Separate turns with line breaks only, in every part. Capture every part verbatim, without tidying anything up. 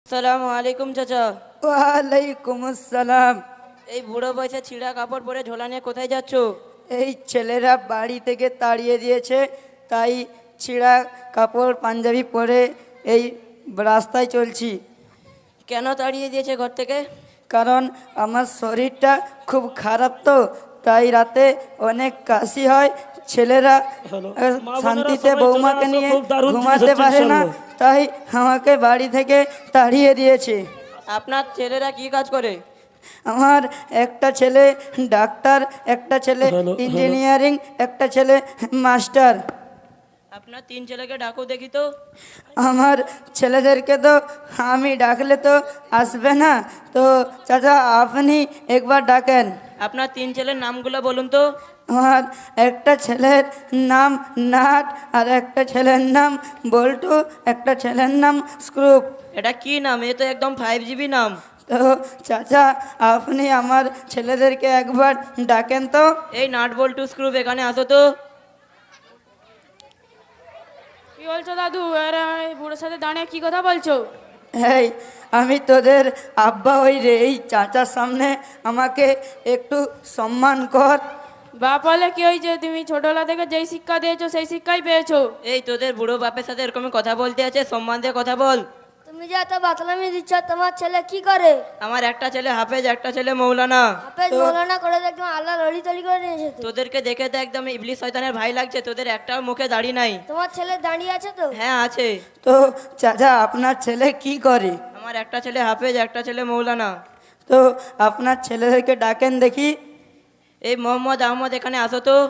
সালামু আলাইকুম চাচা।
ওয়ালাইকুম আসসালাম।
এই বুড়ো বয়সে ছিঁড়া কাপড় পরে ঝোলা নিয়ে কোথায় যাচ্ছ?
এই ছেলেরা বাড়ি থেকে তাড়িয়ে দিয়েছে, তাই ছিঁড়া কাপড় পাঞ্জাবি পরে এই রাস্তায় চলছি।
কেন তাড়িয়ে দিয়েছে ঘর থেকে?
কারণ আমার শরীরটা খুব খারাপ, তো তাই রাতে অনেক কাশি হয়। ছেলেরা আহ, শান্তিতে বৌমাকে নিয়ে ঘুমাতে পারে না, তাই আমাকে বাড়ি থেকে তাড়িয়ে দিয়েছে।
আপনার ছেলেরা কি কাজ করে?
আমার একটা ছেলে ডাক্তার, একটা ছেলে ইঞ্জিনিয়ারিং, একটা ছেলে মাস্টার।
আপনার তিন ছেলেকে ডাকো দেখি তো।
আমার ছেলেদেরকে তো আমি ডাকলে তো আসবে না, তো চাচা আপনি একবার ডাকেন।
আপনার তিন ছেলের নামগুলো বলুন তো।
আমার একটা ছেলের নাম নাট, আর একটা ছেলের নাম বল্টু, একটা ছেলের নাম স্ক্রুপ।
এটা কি নাম? এ তো একদম ফাইভ জিবি নাম।
তো চাচা আপনি আমার ছেলেদেরকে একবার ডাকেন তো।
এই নাট বল্টু স্ক্রুপ এখানে আসো তো।
কি বলছো দাদু? এরা এই বুড়োর সাথে দাঁড়িয়ে কি কথা বলছো?
এই আমি তোদের আব্বা, ওই রে, এই চাচার সামনে আমাকে একটু সম্মান কর।
বাপ হলে কি হয়েছে? তুমি ছোটবেলা থেকে যেই শিক্ষা দিয়েছো সেই শিক্ষাই পেয়েছো।
এই তোদের বুড়ো বাপের সাথে এরকম কথা বলতে আছে? সম্মান দিয়ে কথা বল।
তুমি যে এত বাতলামি দিচ্ছ, তোমার ছেলে কি করে?
আমার একটা ছেলে হাফেজ, একটা ছেলে মৌলানা।
হাফেজ মৌলানা করে তো একদম আল্লাহ লড়ি তড়ি করে নিয়েছে তো।
তোদেরকে দেখে তো একদম ইবলিস শয়তানের ভাই লাগছে। তোদের একটাও মুখে দাড়ি নাই।
তোমার ছেলে দাঁড়িয়ে আছে তো?
হ্যাঁ আছে।
তো চাচা আপনার ছেলে কি করে?
আমার একটা ছেলে হাফেজ, একটা ছেলে মৌলানা।
তো আপনার ছেলেদেরকে ডাকেন দেখি।
এই মোহাম্মদ আহমদ এখানে আসো তো।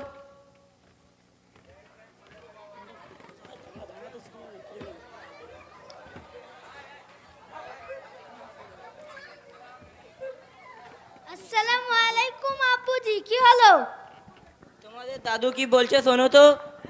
আসসালামু আলাইকুম আপুজি, কি হলো?
তোমাদের দাদু কি বলছে শোনো তো।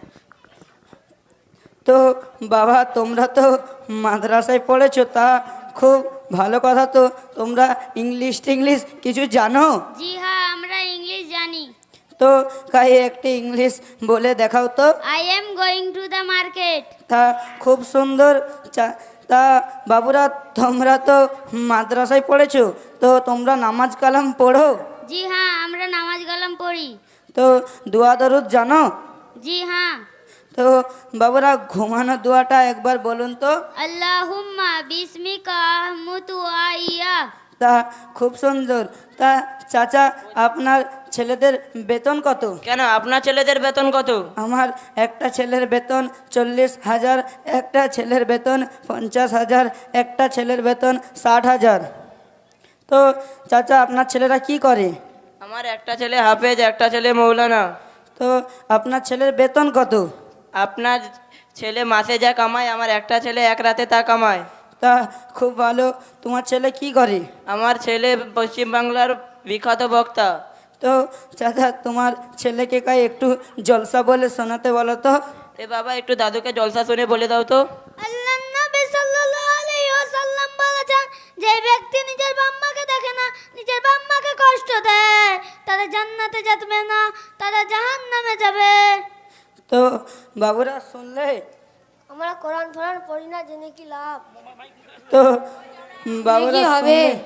তো বাবা তোমরা তো মাদ্রাসায় পড়েছো, তা খুব ভালো কথা। তো তোমরা ইংলিশ টিংলিশ কিছু জানো?
জি হ্যাঁ, আমরা ইংলিশ জানি।
তো কাই একটি ইংলিশ বলে দেখাও তো।
I am going to the market.
তা খুব সুন্দর। চা- তা বাবুরা তোমরা তো মাদ্রাসায় পড়েছো, তো তোমরা নামাজ কালাম পড়ো?
জি হ্যাঁ, আমরা নামাজ কালাম পড়ি।
তো দোয়া দরুদ জানো?
জি হ্যাঁ।
তো বাবুরা ঘুমানো দোয়াটা একবার বলুন তো।
আল্লাহুম্মা বিসমিকা আহমুতু আইয়া।
তা খুব সুন্দর। তা চাচা আপনার ছেলেদের বেতন কত?
কেন আপনার ছেলেদের বেতন কত?
আমার একটা ছেলের বেতন চল্লিশ হাজার, একটা ছেলের বেতন পঞ্চাশ হাজার, একটা ছেলের বেতন ষাট হাজার। তো চাচা আপনার ছেলেরা কি করে?
আমার একটা ছেলে হাফেজ, একটা ছেলে মৌলানা।
তো আপনার ছেলের বেতন কত?
আপনার ছেলে মাসে যা কামায়, আমার একটা ছেলে এক রাতে তা কামায়।
তা খুব ভালো। তোমার ছেলে কি করে?
আমার ছেলে পশ্চিমবাংলার বিখ্যাত বক্তা।
তো চাচা তোমার ছেলেকে কাই একটু জলসা বলে শোনাতে বলো তো।
এ বাবা একটু দাদুকে জলসা শুনে বলে দাও তো।
আল্লাহর নবী সাল্লাল্লাহু আলাইহি ওয়াসাল্লাম বলেছেন, যে ব্যক্তি নিজের বাম্মাকে দেখে না, নিজের বাম্মাকে কষ্ট দেয়, তারা জান্নাতে যাবে না, তারা জাহান্নামে যাবে।
তো বাবুরা শুনলে?
আমরা কোরআন ফোরান পড়ি না, জেনে কি লাভ?
তো বাবুরা
হবে?
শুনলে?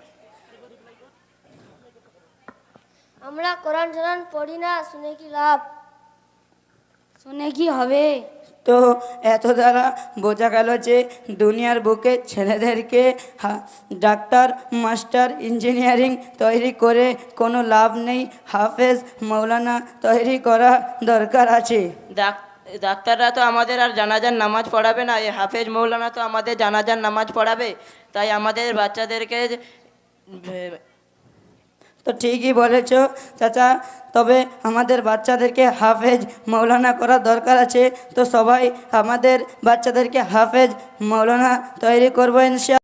আমরা কোরআন ফোরান পড়ি না, শুনে কি লাভ?
শুনে কি হবে?
তো এত দ্বারা বোঝা গেল যে দুনিয়ার বুকে ছেলেদেরকে হা- ডাক্তার, মাস্টার, ইঞ্জিনিয়ারিং তৈরি করে কোনো লাভ নেই। হাফেজ, মৌলানা তৈরি করা দরকার আছে।
ডাক- ডাক্তাররা তো আমাদের আর জানাজার নামাজ পড়াবে না, এই হাফেজ মৌলানা তো আমাদের জানাজার নামাজ পড়াবে। তাই আমাদের বাচ্চাদেরকে এ,
তো ঠিকই বলেছ চাচা, তবে আমাদের বাচ্চাদেরকে হাফেজ মৌলানা করার দরকার আছে। তো সবাই আমাদের বাচ্চাদেরকে হাফেজ মৌলানা তৈরি করবো ইনশাআল্লাহ।